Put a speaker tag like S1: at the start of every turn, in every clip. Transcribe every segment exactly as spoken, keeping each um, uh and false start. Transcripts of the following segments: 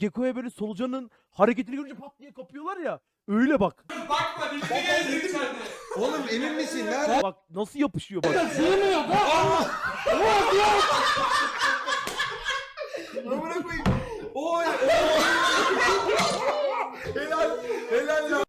S1: Gekko'ya böyle solucanın hareketini görünce pat diye kapıyorlar ya. Öyle bak.
S2: Bakma dibine gelecek içeride.
S3: Oğlum emin misin? Nerede?
S1: Bak nasıl yapışıyor bak.
S3: Amına koyayım. Oy. Helal. Helal lan.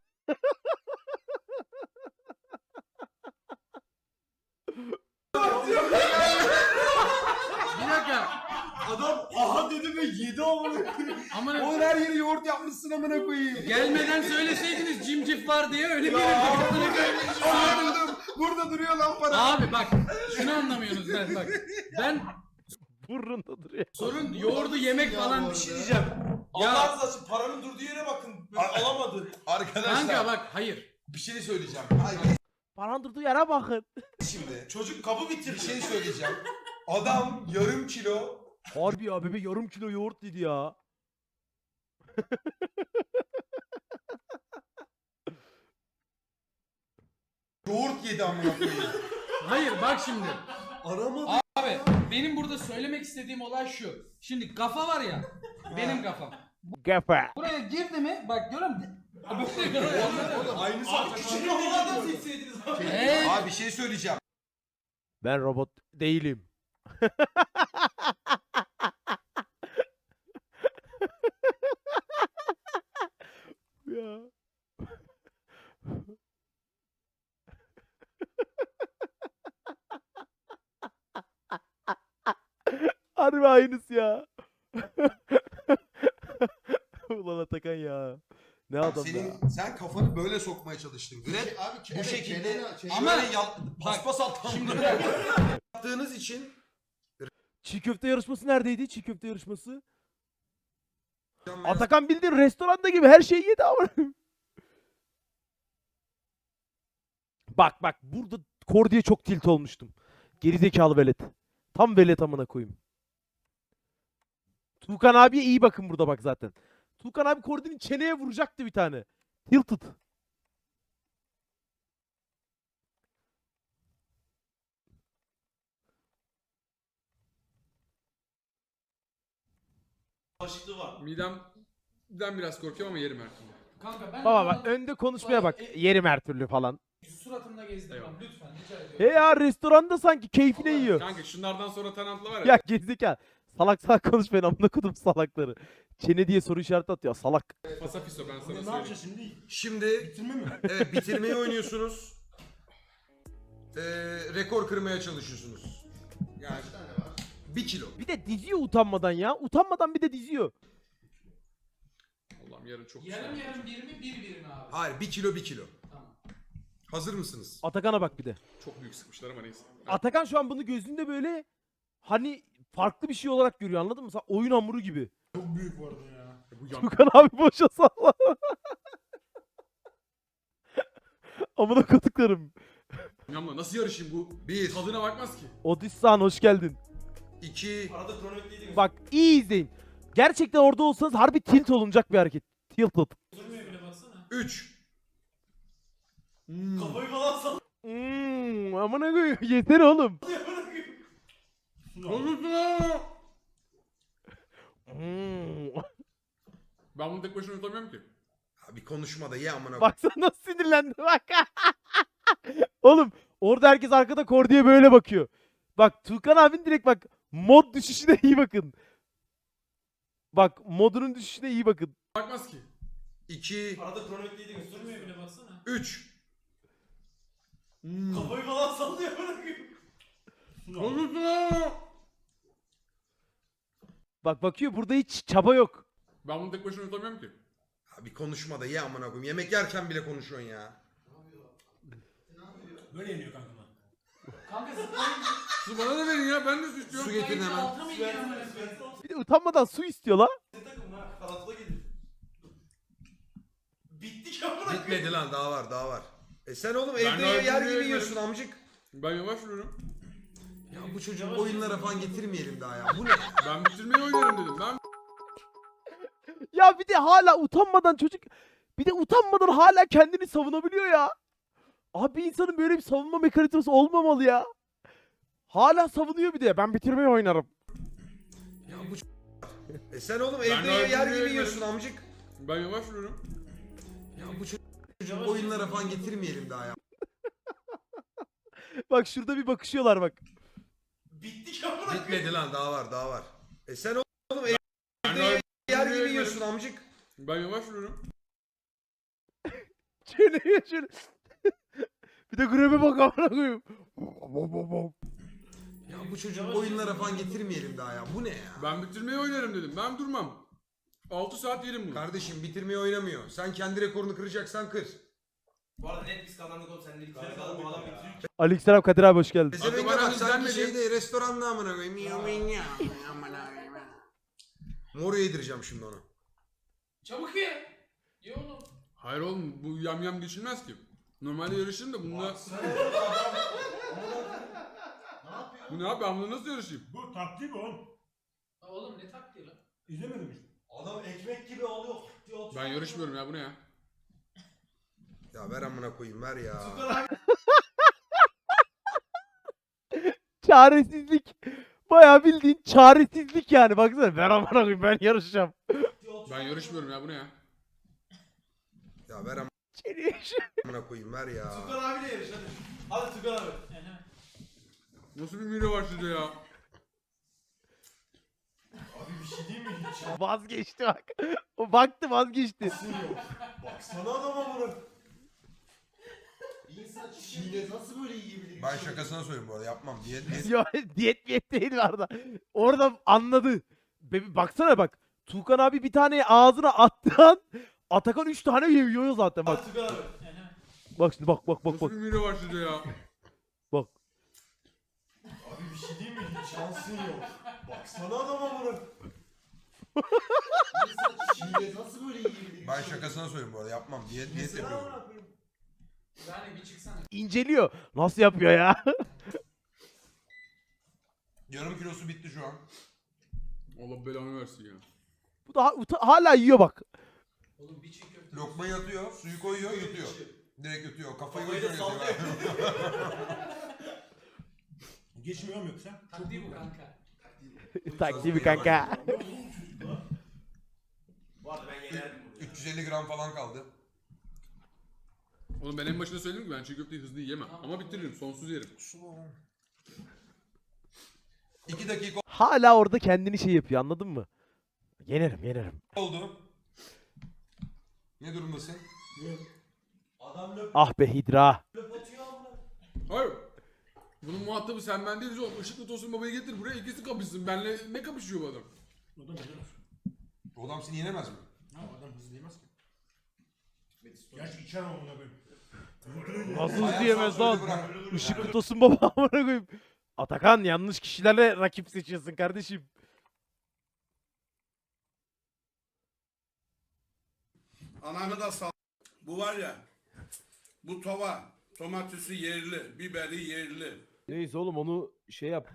S4: Bir dakika.
S3: Adam aha dedi ve yedi amına koyayım.
S4: Amına
S3: Oğlum her yeri yoğurt yapmışsın amına koyayım.
S4: gelmeden söyleseydiniz cimcif var diye öyle
S3: Ya.
S4: gelirdik. Amına koyayım.
S3: Anladım. Burada duruyor lan para.
S4: Abi bak şunu anlamıyorsunuz ben bak. Ben
S1: Burnunda duruyor.
S4: sorun yoğurdu yemek falan bir şey diyeceğim.
S2: Allah
S4: Ya
S2: razı olsun paranın durduğu yere bakın. Böyle alamadı.
S3: Arkadaşlar
S4: kanka bak hayır.
S3: bir şey söyleyeceğim. Hayır
S1: Paran durduğu yere bakın.
S3: şimdi
S2: Çocuk kabı
S3: bir
S2: bitirdi.
S3: şey söyleyeceğim. Adam yarım kilo
S1: Harbi ya bebe yarım kilo yoğurt dedi ya.
S3: yoğurt yedi amına koyayım.
S4: Hayır bak şimdi.
S3: Arama.
S4: Abi benim burada söylemek istediğim olay şu. Şimdi kafa var ya. Benim kafam.
S1: Gefe.
S4: Buraya girdi mi? Bak görüyor musun?
S3: Aynı
S2: Abi küçük kafalardan silseydiniz abi.
S4: Hey.
S3: Abi bir şey söyleyeceğim.
S1: Ben robot değilim. Ya. Harbi aynısı ya. Ulan Atakan ya. Ne adam
S3: Senin
S1: ya.
S3: sen kafanı böyle sokmaya çalıştın. Grab
S5: Abi,
S3: bu
S5: evet,
S3: şekilde
S5: çeneni- çeneni-
S4: Ama-
S3: şöyle yal, paspas alttan
S4: Şimdi
S3: yaptığınız için
S1: Çiğ köfte yarışması neredeydi? Çiğ köfte yarışması. Atakan bildiğin restoranda gibi her şeyi yedi ama. Bak bak burada Kordi'ye çok tilt olmuştum. Gerizekalı velet. Tam velet amına koyayım. Tuğkan abiye iyi bakın burada bak zaten. Tuğkan abi Kordi'nin çeneye vuracaktı bir tane. Tilted.
S2: Başlıklı var.
S6: Midemden biraz korkuyorum ama yerim her türlü.
S4: kanka ben
S1: Baba bak önde konuşmaya bak.
S4: E-
S1: Yerim her türlü falan.
S4: suratımda gezdirmem
S6: Eyvallah.
S4: lütfen rica ediyorum.
S1: He ya restoranda sanki keyfine yiyor.
S6: Kanka şunlardan sonra tarantla var ya.
S1: Ya gerizekalı. Salak salak konuşmayın amına kodum salakları. Çene diye soru işareti atıyor salak.
S6: Fasafiso ben sana
S5: Ne
S6: söyleyeyim.
S5: yapacağız şimdi?
S3: şimdi
S5: Bitirme mi?
S3: evet bitirmeyi oynuyorsunuz. Ee, rekor kırmaya çalışıyorsunuz. Yani
S5: Kaç tane var?
S3: bir kilo.
S1: Bir de diziyor utanmadan ya. Utanmadan bir de diziyor.
S6: Allah'ım yarın çok
S4: Yarım
S6: güzel.
S4: yarım bir mi bir bir mi abi?
S3: Hayır bir kilo bir kilo.
S4: Tamam.
S3: Hazır mısınız?
S1: Atakan'a bak bir de.
S6: Çok büyük sıkmışlar ama neyse.
S1: Atakan şu an bunu gözünde böyle hani farklı bir şey olarak görüyor anladın mı? Sen oyun hamuru gibi.
S5: Çok büyük bu arada ya.
S6: Bu yan...
S1: Tukan abi boşa salla. Amına koduklarım.
S6: Yanımla nasıl yarışayım bu?
S3: Bir,
S6: Tadına bakmaz ki.
S1: Odissan hoş geldin.
S3: iki,
S2: Arada kronometreydiniz.
S1: Bak iyi izleyin. Gerçekten orada olsanız harbi tilt olunacak bir hareket. Tilted.
S2: Durmuyor bile baksana.
S3: üç.
S2: Kafayı falan sallıyor.
S1: Hmm, amına koyayım. Yeter oğlum. Hmm.
S6: Ben bunu tek başına yutamıyorum ki.
S3: Abi konuşma da ye amına.
S1: Baksana nasıl sinirlendi bak. Oğlum orada herkes arkada Kordi'ye böyle bakıyor. Bak Tuğkan abin direkt bak mod düşüşüne iyi bakın. Bak modunun düşüşüne iyi bakın.
S6: Bakmaz ki.
S3: iki,
S2: Arada kronometreydiniz. Durmuyor bile baksana.
S3: üç.
S2: Kafayı falan sallıyor.
S1: Bak bakıyor burada hiç çaba yok.
S6: Ben bunu tek başına yutamıyorum ki.
S3: Abi konuşma da ye amına koyayım. Yemek yerken bile konuşuyorsun ya.
S5: Böyle yeniyor kanka.
S4: Kanka zıplayın.
S6: Su bana da verin ya ben de su istiyorum.
S3: Su getirin hemen.
S4: Alta mı iniyor amına koyayım?
S1: Bir de utanmadan su istiyor la.
S2: Takım ha. Kanatla gelir. Bittik amına.
S3: Bitmedi lan daha var daha var. E sen oğlum
S6: Ben
S3: evde
S6: daha
S3: yer
S6: bilmiyorum.
S3: gibi yiyorsun amcık.
S6: Ben yavaş yürüyorum.
S3: Ya bu çocuğu oyunlara falan getirmeyelim daha ya. Bu ne?
S6: Ben bitirmeyi oynarım dedim. Ben
S1: Ya bir de hala utanmadan çocuk bir de utanmadan hala kendini savunabiliyor ya. Abi bir insanın böyle bir savunma mekanizması olmamalı ya. Hala savunuyor bir de. Ben bitirmeyi oynarım.
S3: Ya bu ç- E sen oğlum
S6: Ben
S3: evde
S6: daha
S3: yer
S6: bilmiyorum.
S3: gibi yiyorsun amcık.
S6: Ben yavaş vuruyorum.
S3: Ya bu çocuk oyunlara falan getirmeyelim daha ya.
S1: Bak şurada bir bakışıyorlar bak.
S2: Bittik amına koyayım.
S3: Bitmedi lan daha var daha var. E sen oğlum
S6: Ben
S3: evde
S6: daha
S3: yer gibi
S6: bilmiyorum.
S3: yiyorsun amcık.
S6: Ben yavaş vuruyorum.
S1: Çeneye şöyle. Bir de grebe bak amına koyayım.
S3: Ya bu çocuk oyunlara falan getirmeyelim daha ya. Bu ne ya?
S6: Ben bitirmeyi oynarım dedim. Ben durmam. altı saat yerim bunu.
S3: Kardeşim bitirmeyi oynamıyor. Sen kendi rekorunu kıracaksan kır.
S2: Bu arada net biz kazandık oğlum sen de güzel kazandın bu adam bitiriyor.
S1: Aleykümselam Kadir abi hoş geldin.
S3: Pezevenk
S6: bana
S3: bak
S6: biz
S3: sanki
S6: denmedi.
S3: şeyde restoranda amına koyayım. Miyav miyav, amına koyayım. Moru yedireceğim şimdi ona.
S4: Çabuk ye. Ye oğlum.
S6: Hayır oğlum bu yam yam geçilmez ki. Normalde yarışırım da bununla... Bu ne abi ben bununla nasıl yarışayım?
S5: Bu taktik oğlum.
S4: Ha, oğlum ne taktiği lan?
S5: İzlemedim işte.
S2: Adam ekmek gibi alıyor. diyor,
S6: Ben yarışmıyorum ya bu ne ya?
S3: Ya ver amına koyayım ver ya.
S2: Tukan abi
S1: Çaresizlik. Bayağı bildiğin çaresizlik yani. Baksana ben amına koyayım ben yarışacağım.
S2: diyor.
S6: Ben yarışmıyorum ya bu ne ya?
S3: Ya ver
S1: Çeneye şöyle.
S3: amına koyayım ver ya.
S2: Tukan abiyle yarış hadi. Hadi Tukan abi.
S6: Nasıl bir mide var sizde ya?
S2: Abi bir şey değil mi hiç?
S1: Vazgeçti bak. O baktı vazgeçti.
S2: Baksana adama bunu. Bir insan çiğne nasıl böyle yiyebilir?
S3: Ben şakasına söyleyeyim bu arada yapmam. Diyet diyet.
S1: Yo, diyet miyet değil orada. Orada anladı. Be- Baksana bak. Tuğkan abi bir tane ağzına attığı an Atakan üç tane yiyor zaten bak.
S2: Hadi Tukan abi.
S1: Bak şimdi bak bak bak
S6: Nasıl
S1: bak.
S6: bir mide var sizde ya?
S1: Bak.
S2: Abi bir şey değil mi hiç şansın yok. Baksana adama bunu. Bir insan çiğne nasıl böyle yiyebilir?
S3: Ben şakasına söyleyeyim bu arada yapmam. Diyet diyet
S2: Yesene
S3: yapıyorum.
S2: amına koyayım.
S4: Yani bir çıksana.
S1: İnceliyor. Nasıl yapıyor ya?
S3: Yarım kilosu bitti şu an.
S6: Allah belanı versin ya.
S1: Bu da ha- uta- hala yiyor bak.
S4: Oğlum bir çiğ köfte.
S3: Lokmayı atıyor, suyu koyuyor, yutuyor. Direkt yutuyor. Kafayı
S2: Kafayı da
S3: gözüne
S2: sallıyor.
S3: yatıyor.
S5: Geçmiyor mu yoksa?
S4: Taktiği bu kanka.
S1: Taktiği mi kanka?
S2: Bu arada ben yenerdim bunu.
S3: üç yüz elli gram falan kaldı.
S6: Oğlum ben en başında söyledim ki ben çiğ köfteyi hızlı yiyemem. Ama bitiririm sonsuz yerim.
S3: iki dakika
S1: Hala orada kendini şey yapıyor anladın mı? Yenerim yenerim.
S3: oldu. Ne durumdasın?
S2: Adam löp
S1: Ah be Hidra.
S2: löp atıyor amına.
S6: Hayır. Bunun muhatabı sen ben değiliz oğlum. Işıklı Tosun Baba'yı getir buraya ikisi kapışsın. Benle ne kapışıyor bu adam?
S5: O da ne demek?
S3: O adam seni yenemez mi?
S5: Ha adam hızlı yemez ki. Gerçi içer ama buna koyayım.
S1: Nasıl
S3: Hayat
S1: diyemez lan?
S3: sansürü bırak.
S1: Işıklı tosun baba amına koyayım. Atakan yanlış kişilerle rakip seçiyorsun kardeşim.
S7: Ananı da sal. Bu var ya. Bu tova. Domatesi yerli. Biberi yerli.
S1: Neyse oğlum onu şey yap.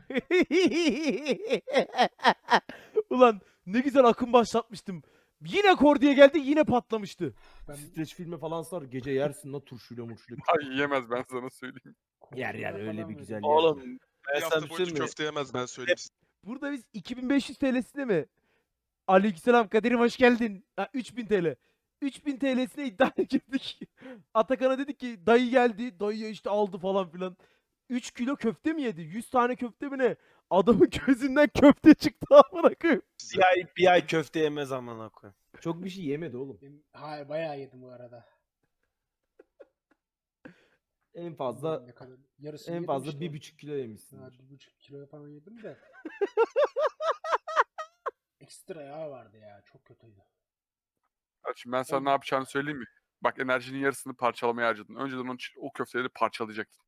S1: Ulan ne güzel akım başlatmıştım. Yine Kordi'ye geldi yine patlamıştı. Ben streç filmi falan sar gece yersin la turşuyla murşuyla.
S8: Ay yiyemez ben sana söyleyeyim.
S1: Yer yer öyle bir güzel yer.
S9: Oğlum
S8: Bir
S9: ben
S8: hafta
S9: sana bir şey
S8: boyunca
S9: mi?
S8: köfte yemez ben söyleyeyim size.
S1: Burada biz iki bin beş yüz T L'sine mi? Aleykümselam Kadir'im hoş geldin. Ha, üç bin T L. üç bin T L'sine iddiaya girdik. Atakan'a dedik ki dayı geldi. Dayı işte aldı falan filan. üç kilo köfte mi yedi? yüz tane köfte mi ne? Adamın gözünden köfte çıktı amına koyayım.
S9: Bir ay, bir ay köfte yemez amına koyayım.
S1: Çok bir şey yemedi oğlum.
S10: Hayır bayağı yedim bu arada.
S1: En fazla
S10: Ne kadar? Yarısını
S1: en
S10: yedim
S1: fazla
S10: işte.
S1: bir buçuk kilo yemişsin.
S10: Ha, bir buçuk kilo falan yedim de. Ekstra yağ vardı ya. Çok kötüydü.
S8: Bak şimdi ben sana ne yapacağını söyleyeyim mi? Bak enerjinin yarısını parçalamaya harcadın. Önceden onun için o köfteleri parçalayacaktın.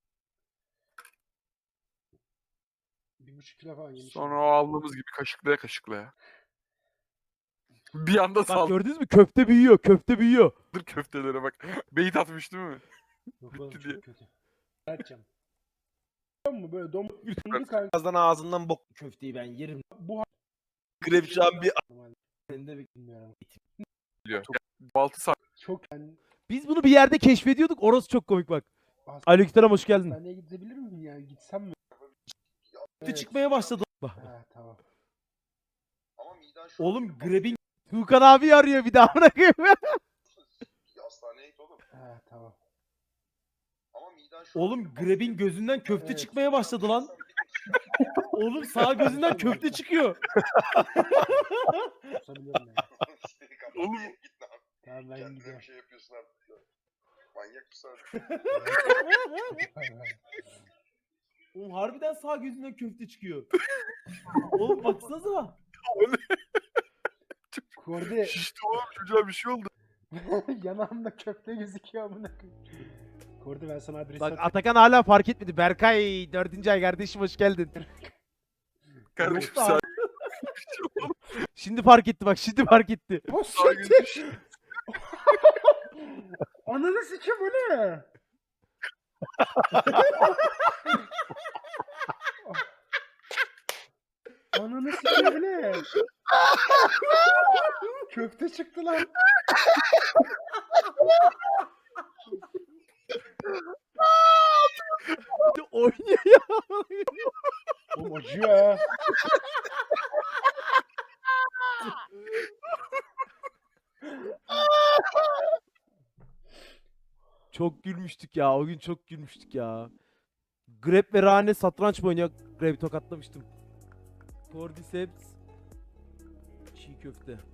S10: Bir buçuk kilo falan yemişim.
S8: Sonra o aldığımız gibi kaşıklaya kaşıklaya. Bir anda
S1: Bak
S8: saldır
S1: gördünüz mü? Köfte büyüyor. Köfte büyüyor.
S8: köftelere bak. Beyit atmış değil mi?
S10: Yok oğlum
S8: bitti diye.
S10: çok kötü. Açacağım. Biliyor musun böyle dom dondu kanka.
S9: Birazdan ağzından bok.
S1: Köfteyi ben yerim.
S10: Bu
S9: Grep şu an bir
S10: Normalde
S1: Senin de bir-
S10: bilmiyorum.
S8: Diyor. altı saat.
S10: Çok ben
S1: Biz bunu bir yerde keşfediyorduk. Orası çok komik bak.
S10: As-
S1: Aleykümselam hoş geldin.
S10: hastaneye gidebilir miyim yani? Gitsem mi?
S1: Köfte çıkmaya başladı. Bak.
S10: Ha tamam.
S11: Ama miden
S1: Oğlum Grab'in Tuğkan abi arıyor bir daha bırakayım.
S2: Hastaneye git oğlum.
S10: He tamam.
S2: Ama miden şu
S1: Oğlum Grab'in gözünden köfte
S10: Evet.
S1: çıkmaya başladı lan. Oğlum sağ gözünden köfte çıkıyor.
S10: Kusabilirim yani.
S8: Oğlum
S2: Git lan.
S10: Tamam ben
S2: Kendine
S10: gidiyorum.
S2: bir şey yapıyorsun artık ya. Manyak mısın?
S1: Oğlum harbiden sağ gözünden köfte çıkıyor. Oğlum baksanıza.
S10: Kordi
S8: şişti oğlum çocuğa bir şey oldu.
S10: yanağımda köfte gözüküyor amına koyayım. Kordi ben sana adresi
S1: Bak
S10: atayım.
S1: Atakan hala fark etmedi. Berkay dördüncü ay kardeşim hoş geldin.
S8: Kardeşim
S1: Yok
S8: sen
S1: Şimdi fark etti bak şimdi fark etti.
S10: O
S8: sağ
S10: siktir. Ananı sikim bu ne? Ananı sikim bu ne? Köfte çıktı lan.
S1: Oynuyor ya.
S10: Oğlum acıyor ha.
S1: Çok gülmüştük ya. O gün çok gülmüştük ya. Grab ve Rane satranç mı oynuyor? Grab'i tokatlamıştım. Cordyceps çiğ köfte.